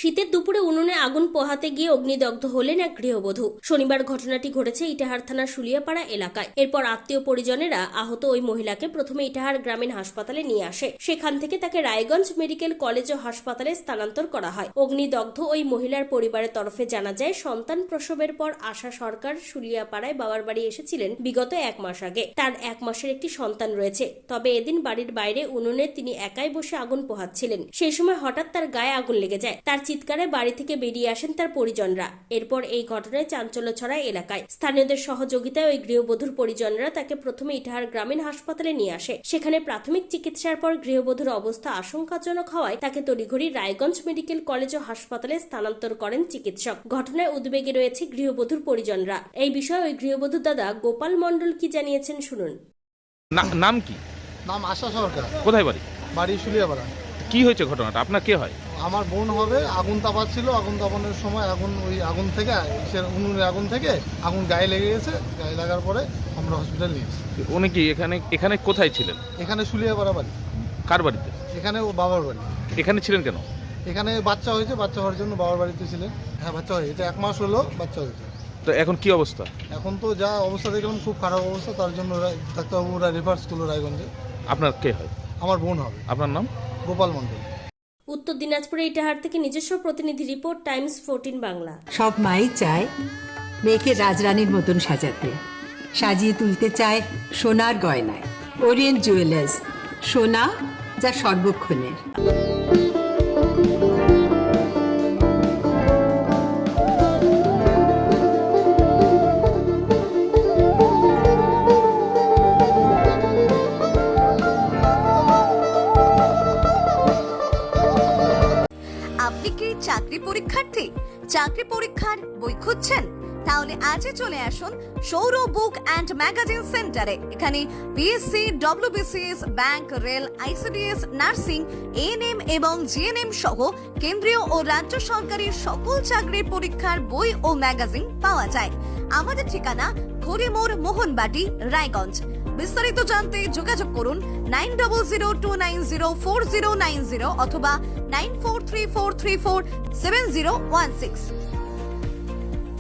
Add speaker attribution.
Speaker 1: শীতের দুপুরে উনুনে আগুন পোহাতে গিয়ে অগ্নিদগ্ধ হলেন এক গৃহবধূ। শনিবার ঘটনাটি ঘটেছে ইটাহার থানার শুলিয়াপাড়া এলাকায়। এরপর আত্মীয় পরিজনেরা আহত ওই মহিলাকে প্রথমে ইটাহার গ্রামীণ হাসপাতালে নিয়ে আসে। সেখান থেকে তাকে রায়গঞ্জ মেডিকেল কলেজ ও হাসপাতালে স্থানান্তর করা হয়। অগ্নিদগ্ধ ওই মহিলার পরিবারের তরফে জানা যায়, সন্তান প্রসবের পর আশা সরকার শুলিয়াপাড়ায় বাবার বাড়ি এসেছিলেন বিগত 1 মাস আগে। তার 1 মাসের একটি সন্তান রয়েছে। তবে এদিন বাড়ির বাইরে উনুনে তিনি একাই বসে আগুন পোহাচ্ছিলেন। সেই সময় হঠাৎ তার গায়ে আগুন লেগে যায়। তার চিৎকারে বাড়ি থেকে বেরিয়ে আসেন তার পরিজনরা। এরপর এই ঘটনায় চাঞ্চল্য ছড়ায় এলাকায়। স্থানীয়দের সহযোগিতায় ওই গৃহবধূর পরিজনরা তাকে প্রথমে ইটাহার গ্রামীণ হাসপাতালে নিয়ে আসে। সেখানে প্রাথমিক চিকিৎসার পর গৃহবধূর অবস্থা আশঙ্কাজনক হওয়ায় তাকে তড়িঘড়ি রায়গঞ্জ মেডিকেল কলেজ ও হাসপাতালে স্থানান্তর করেন চিকিৎসক। ঘটনায় উদ্বেগে রয়েছে গৃহবধূর পরিজনরা। এই বিষয়ে ওই গৃহবধূর দাদা গোপাল মণ্ডল কি জানিয়েছেন শুনুন।
Speaker 2: নাম কি?
Speaker 3: নাম আশা সরকার।
Speaker 2: কোথায় বাড়ি?
Speaker 3: বাড়ি শুলিয়াপাড়া।
Speaker 2: কি হয়েছে ঘটনাটা? আপনার কে হয়?
Speaker 3: আমার বোন হবে। আগুন তাপাচ্ছিল। আগুন তাপানোর সময় আগুন থেকে উনুনের আগুন থেকে আগুন গায়ে লেগে গেছে। গায়ে লাগার পরে আমরা হসপিটাল নিয়ে এসেছি।
Speaker 2: উনি কি এখানে কোথায় ছিলেন?
Speaker 3: এখানে শুলিয়াপাড়া বাড়ি।
Speaker 2: কার বাড়িতে?
Speaker 3: এখানে ও বাবার বাড়ি।
Speaker 2: এখানে ছিলেন কেন?
Speaker 3: এখানে বাচ্চা হয়েছে। বাচ্চা হওয়ার জন্য বাবার বাড়িতে ছিলেন। হ্যাঁ, বাচ্চা হয়েছে। এটা 1 মাস হলো বাচ্চা হয়েছে।
Speaker 2: তো এখন কি অবস্থা?
Speaker 3: এখন তো যা অবস্থা দেখলাম খুব খারাপ অবস্থা। তার জন্য ডাক্তারবাবুরা রেফার করলো রায়গঞ্জে।
Speaker 2: আপনার কে হয়?
Speaker 3: আমার বোন হবে।
Speaker 2: আপনার নাম?
Speaker 3: গোপাল মণ্ডল।
Speaker 1: উত্তর দিনাজপুরে ইটাহার থেকে নিজস্ব প্রতিনিধি রিপোর্ট, টাইমস 14 বাংলা।
Speaker 4: সব মাই চায় মেয়েকে রাজরানীর মতন সাজাতে, সাজিয়ে তুলতে চায় সোনার গয়নায়। ওরিয়েন্ট জুয়েলার্স, সোনা যা সর্বক্ষণের।
Speaker 5: আপনি কি চাকরি পরীক্ষার্থী? চাকরি পরীক্ষার বই খুঁজছেন? তাহলে আজই চলে আসুন সৌরভ বুক অ্যান্ড ম্যাগাজিন সেন্টারে। এখানে BSc, WBCS, bank, rail, ICDS, nursing, ANM এবং জিএনএম সহ কেন্দ্রীয় ও রাজ্য সরকারের সকল চাকরির পরীক্ষার বই ও ম্যাগাজিন পাওয়া যায়। আমাদের ঠিকানা ঘড়িমোড়, মোহনবাটি, রায়গঞ্জ। বিস্তারিত জানতে যোগাযোগ করুন 9002904090 অথবা 9434347016।